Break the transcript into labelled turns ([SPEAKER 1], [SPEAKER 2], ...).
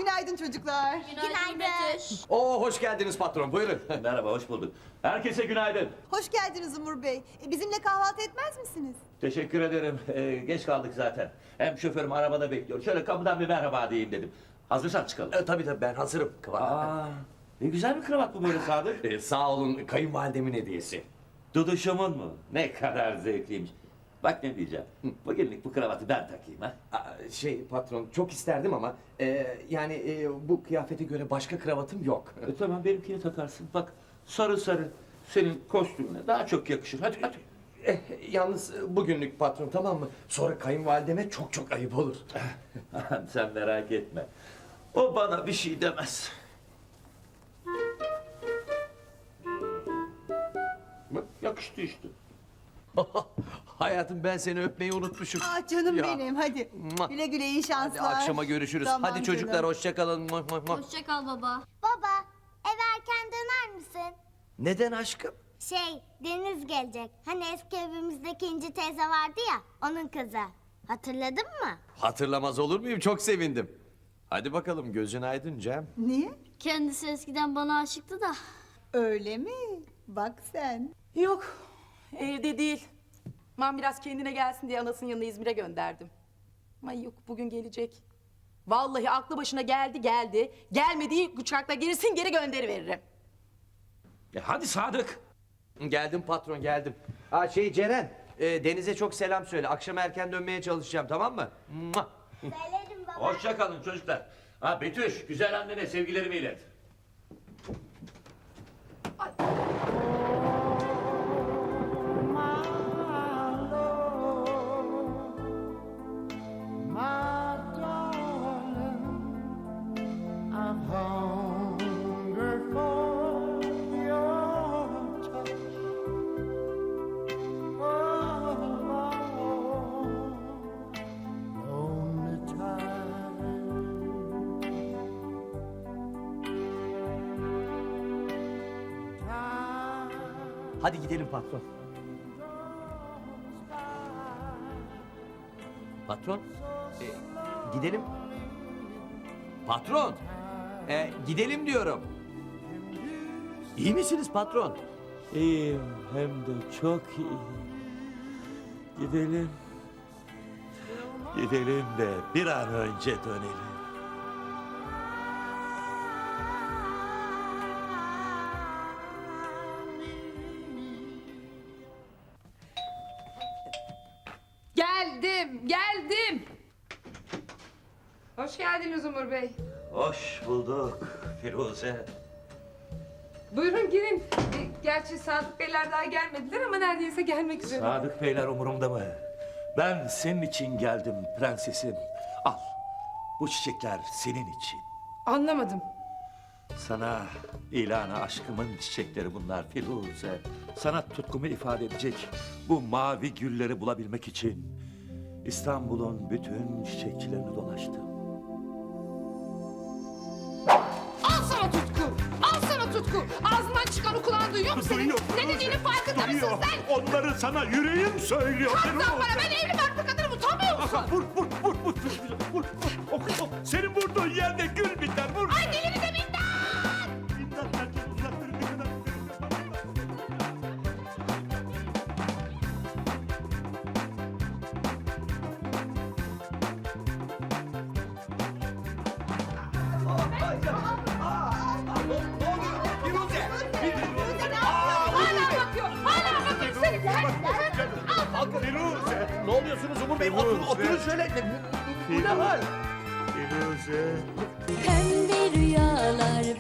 [SPEAKER 1] Günaydın çocuklar.
[SPEAKER 2] Günaydın Betüş.
[SPEAKER 3] Oo, hoş geldiniz patron, buyurun.
[SPEAKER 4] Merhaba, hoş bulduk. Herkese günaydın.
[SPEAKER 1] Hoş geldiniz Umur Bey. Bizimle kahvaltı etmez misiniz?
[SPEAKER 4] Teşekkür ederim. Geç kaldık zaten. Hem şoförüm arabada bekliyor. Şöyle kapıdan bir merhaba diyeyim dedim. Hazırsan çıkalım.
[SPEAKER 3] Tabii ben hazırım.
[SPEAKER 4] Aa, ne güzel bir kravat bu böyle Sadık.
[SPEAKER 3] Sağ olun, kayınvalidemin hediyesi.
[SPEAKER 4] Duduşumun mu? Ne kadar zevkliymiş. Bak ne diyeceğim. Bugünlük bu kravatı ben takayım ha.
[SPEAKER 3] Patron, çok isterdim ama bu kıyafete göre başka kravatım yok.
[SPEAKER 4] Tamam benimkini takarsın. Bak sarı sarı senin kostümüne daha çok yakışır. Hadi hadi.
[SPEAKER 3] Yalnız bugünlük patron, tamam mı? Sonra kayınvalideme çok ayıp olur.
[SPEAKER 4] Sen merak etme. O bana bir şey demez. Bak yakıştı işte.
[SPEAKER 3] Hayatım, ben seni öpmeyi unutmuşum.
[SPEAKER 1] Ah canım
[SPEAKER 3] Ya.
[SPEAKER 1] benim hadi.
[SPEAKER 3] Mua.
[SPEAKER 1] Güle güle iyi şanslar.
[SPEAKER 3] Hadi akşama görüşürüz.
[SPEAKER 1] Tamam
[SPEAKER 3] Hadi çocuklar,
[SPEAKER 1] canım.
[SPEAKER 3] hoşça kalın.
[SPEAKER 2] Hoşça kal baba.
[SPEAKER 5] Baba, eve erken döner misin?
[SPEAKER 3] Neden aşkım?
[SPEAKER 5] Deniz gelecek. Hani eski evimizdeki İnci teyze vardı ya, onun kızı. Hatırladın mı?
[SPEAKER 3] Hatırlamaz olur muyum? Çok sevindim. Hadi bakalım, gözün aydın Cem.
[SPEAKER 1] Niye?
[SPEAKER 2] Kendisi eskiden bana aşıktı da.
[SPEAKER 1] Öyle mi? Bak sen.
[SPEAKER 6] Yok, evde değil. Ben biraz kendine gelsin diye anasının yanına İzmir'e gönderdim. Ama yok, bugün gelecek. Vallahi aklı başına geldi. Gelmediği uçakla gerisin geri gönderiveririm.
[SPEAKER 4] Hadi Sadık.
[SPEAKER 3] Geldim patron, geldim. Ceren, Deniz'e çok selam söyle. Akşam erken dönmeye çalışacağım, tamam mı? Mua.
[SPEAKER 5] Söylerim baba.
[SPEAKER 4] Hoşça kalın çocuklar. Ha Betüş, güzel annene sevgilerimi ilet.
[SPEAKER 3] Hadi gidelim patron. Patron, gidelim. Patron, gidelim diyorum. İyi misiniz patron?
[SPEAKER 4] İyiyim, hem de çok iyi. Gidelim. Gidelim de bir an önce dönelim.
[SPEAKER 7] Geldim. Hoş geldiniz Umur Bey.
[SPEAKER 4] Hoş bulduk Firuze.
[SPEAKER 7] Buyurun girin. Gerçi Sadık Beyler daha gelmediler ama neredeyse gelmek üzere.
[SPEAKER 4] Sadık Beyler umurumda mı? Ben senin için geldim prensesim. Al, bu çiçekler senin için.
[SPEAKER 7] Anlamadım.
[SPEAKER 4] Sana ilana aşkımın çiçekleri bunlar Firuze. Sana tutkumu ifade edecek bu mavi gülleri bulabilmek için İstanbul'un bütün çiçekçilerini dolaştım.
[SPEAKER 7] Al sana tutku. Al sana tutku. Ağzından çıkanı kulağın duyuyor mu senin? Ne dediğinin farkında mısın sen?
[SPEAKER 8] Onları sana yüreğim söylüyor.
[SPEAKER 7] Kalksan bana ben evli barklı kadınım utanmıyor musun?
[SPEAKER 8] Vur. Senin vurduğun yerde gül biter. Vur.
[SPEAKER 7] Ay delini de minnet.
[SPEAKER 8] İmdat, herkes uzakları ne kadar.
[SPEAKER 7] Hala bakıyor seni.
[SPEAKER 8] Firuze.
[SPEAKER 3] Ne oluyorsunuz Umur Bey? Oturun şöyle. Bu ne hal?
[SPEAKER 8] Firuze.
[SPEAKER 2] Pembe rüyalar,